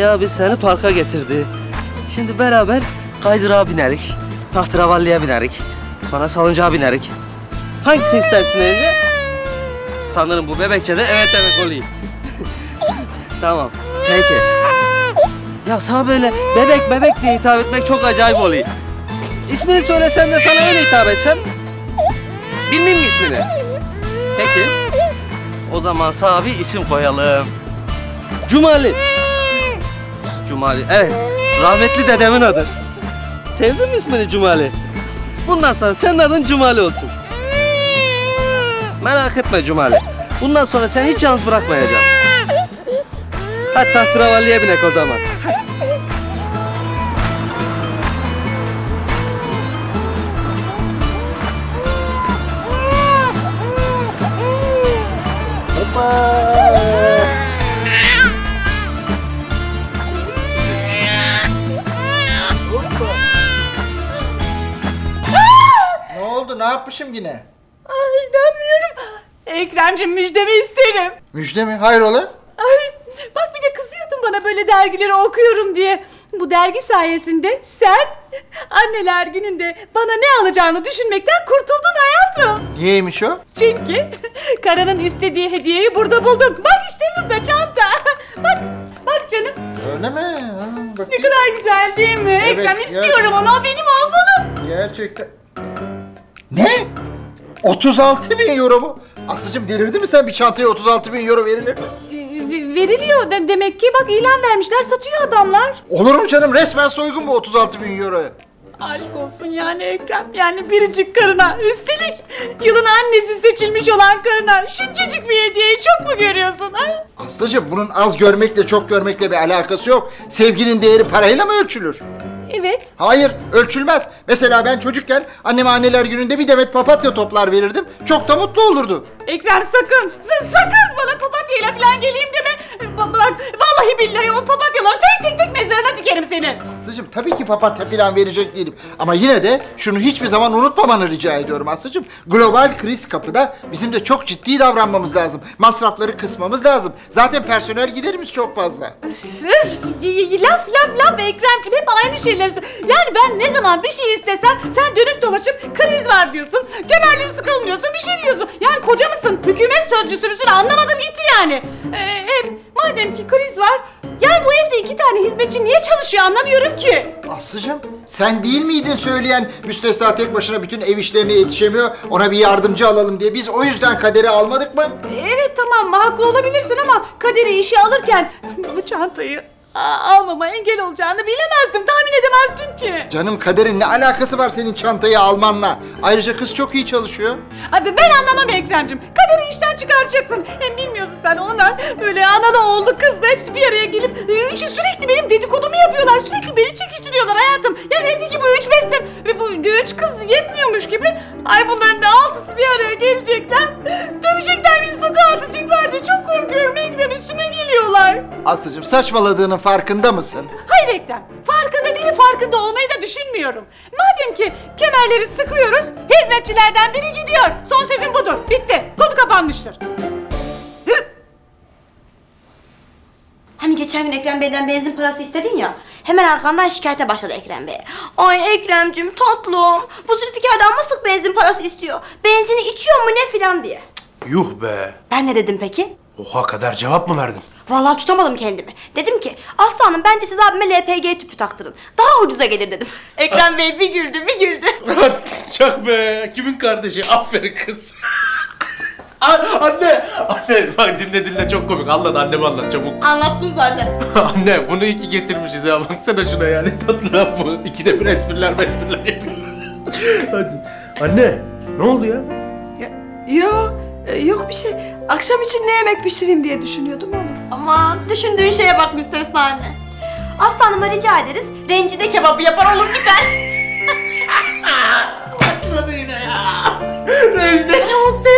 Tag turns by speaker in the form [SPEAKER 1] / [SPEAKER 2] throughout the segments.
[SPEAKER 1] Rüzgar abi seni parka getirdi. Şimdi beraber kaydırağa binerik. Tahterevalliye binerik. Sonra salıncağa binerik. Hangisini istersin önce? Sanırım bu bebekçe de evet demek olayım. Tamam. Peki. Ya sana böyle bebek bebek diye hitap etmek çok acayip oluyor. İsmini söylesen de sana öyle hitap etsem. Bilmeyeyim mi ismini? Peki. O zaman sana bir isim koyalım. Cumali. Cumali, evet. Rahmetli dedemin adı. Sevdin mi ismini Cumali? Bundan sonra senin adın Cumali olsun. Merak etme Cumali. Bundan sonra seni hiç yalnız bırakmayacağım. Hadi tahterevalliye binek o zaman.
[SPEAKER 2] Ne oldu? Ne yapmışım yine?
[SPEAKER 3] Ay inanmıyorum. Ekremciğim müjdemi isterim.
[SPEAKER 2] Müjde mi? Hayrola?
[SPEAKER 3] Ay bak bir de kızıyordun bana böyle dergileri okuyorum diye. Bu dergi sayesinde sen anneler gününde bana ne alacağını düşünmekten kurtuldun hayatım.
[SPEAKER 2] Niyeymiş o?
[SPEAKER 3] Çünkü Kara'nın istediği hediyeyi burada buldum. Bak işte burada çanta. Bak canım.
[SPEAKER 2] Öyle mi? Ha,
[SPEAKER 3] Ne
[SPEAKER 2] bakayım.
[SPEAKER 3] kadar güzel değil mi?
[SPEAKER 2] Evet,
[SPEAKER 3] Ekrem
[SPEAKER 2] ya.
[SPEAKER 3] istiyorum onu, o benim olmalı.
[SPEAKER 2] Gerçekten. Ne? 36 bin euro mu? Aslıcığım delirdin mi sen? Bir çantaya 36 bin euro verilir mi?
[SPEAKER 3] Veriliyor demek ki, bak ilan vermişler, satıyor adamlar.
[SPEAKER 2] Olur mu canım? Resmen soygun bu 36 bin euro.
[SPEAKER 3] Aşk olsun yani Ekrem, yani biricik karına, üstelik yılın annesi seçilmiş olan karına şuncacık bir hediyeyi çok mu görüyorsun ha?
[SPEAKER 2] Aslıcığım bunun az görmekle çok görmekle bir alakası yok. Sevginin değeri parayla mı ölçülür?
[SPEAKER 3] Evet.
[SPEAKER 2] Hayır, ölçülmez. Mesela ben çocukken anneme anneler gününde bir demet papatya toplar verirdim. Çok da mutlu olurdu.
[SPEAKER 3] Ekrem sakın, sakın bana papatyayla falan geleyim deme. Bak vallahi billahi o papatyaları tek tek mezarına dikerim senin.
[SPEAKER 2] Aslıcığım tabii ki papatya falan verecek değilim. Ama yine de şunu hiçbir zaman unutmamanı rica ediyorum Aslıcığım. Global kriz kapıda, bizim de çok ciddi davranmamız lazım. Masrafları kısmamız lazım. Zaten personel giderimiz çok fazla.
[SPEAKER 3] Laf Ekremciğim, hep aynı şeyleri söylüyorsun. Yani ben ne zaman bir şey istesem sen dönüp dolaşıp kriz var diyorsun. Kemerleri sıkalım diyorsun, bir şey diyorsun. Yani koca mısın, hükümet sözcüsü müsün, anlamadım gitti yani. Madem ki kriz var, yani bu evde 2 tane hizmetçi niye çalışıyor anlamıyorum ki.
[SPEAKER 2] Aslıcığım sen değil miydin söyleyen müstesna tek başına bütün ev işlerine yetişemiyor, ona bir yardımcı alalım diye? Biz o yüzden Kader'i almadık mı?
[SPEAKER 3] Evet tamam, haklı olabilirsin ama Kader'i işe alırken bu çantayı almama engel olacağını bilemezdim, tahmin edemezdim ki.
[SPEAKER 2] Canım Kader'in ne alakası var senin çantayı almanla? Ayrıca kız çok iyi çalışıyor.
[SPEAKER 3] Abi ben anlamam Ekrem'cim. Kader'i işten çıkaracaksın. Hem bilmiyorsun sen, onlar böyle analı oğullu kızla hepsi bir araya gelip üçü sürekli benim dedikodumu yapıyorlar. Sürekli beni çekiştiriyorlar hayatım. Yani evdeki bu 3 bestim ve bu 3 kız yetmiyormuş gibi. Ay bunların da 6'sı bir araya gelecekler. Dövecekler, beni sokağa atacaklar diye çok korkuyorum Ekrem, üstüme geliyorlar.
[SPEAKER 2] Aslıcığım saçmaladığının farkında mısın?
[SPEAKER 3] Hayır Ekrem, farkında değilim, farkında olmayı da düşünmüyorum. Madem ki kemerleri sıkıyoruz, hizmetçilerden biri gidiyor. Son sözüm budur, bitti. Konu kapanmıştır.
[SPEAKER 4] Hani geçen gün Ekrem Bey'den benzin parası istedin ya. Hemen arkandan şikayete başladı Ekrem Bey. Ay Ekrem'cim tatlım. Bu Zülfikar da sık benzin parası istiyor. Benzini içiyor mu ne filan diye.
[SPEAKER 5] Yuh be!
[SPEAKER 4] Ben ne dedim peki?
[SPEAKER 5] Oha kadar cevap mı verdin?
[SPEAKER 4] Vallahi tutamadım kendimi. Dedim ki Aslı Hanım bence siz abime LPG tüpü taktırın. Daha ucuza gelir dedim. Ekrem Bey bir güldü bir güldü.
[SPEAKER 5] Çak be! Kimin kardeşi? Aferin kız. Anne! Anne bak dinle çok komik. Anlat anneme anlat çabuk.
[SPEAKER 4] Anlattım zaten.
[SPEAKER 5] Anne bunu iyi ki getirmişiz ya. Baksana şuna yani tatlı laf bu. İkide bir espriler yapıyor. Hadi. Anne ne oldu ya?
[SPEAKER 6] Yok bir şey. Akşam için ne yemek pişireyim diye düşünüyordum oğlum.
[SPEAKER 4] Aman düşündüğün şeye bak müstesna anne. Aslı Hanım'a rica ederiz. Rencide kebabı yapar olur biter.
[SPEAKER 5] Başladı yine ya. Rezde kavuk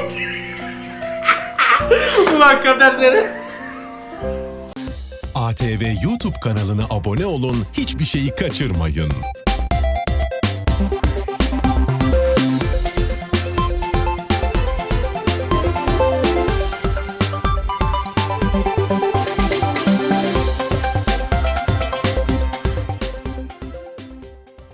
[SPEAKER 5] Ulan kader seni.
[SPEAKER 7] ATV YouTube kanalına abone olun, hiçbir şeyi kaçırmayın.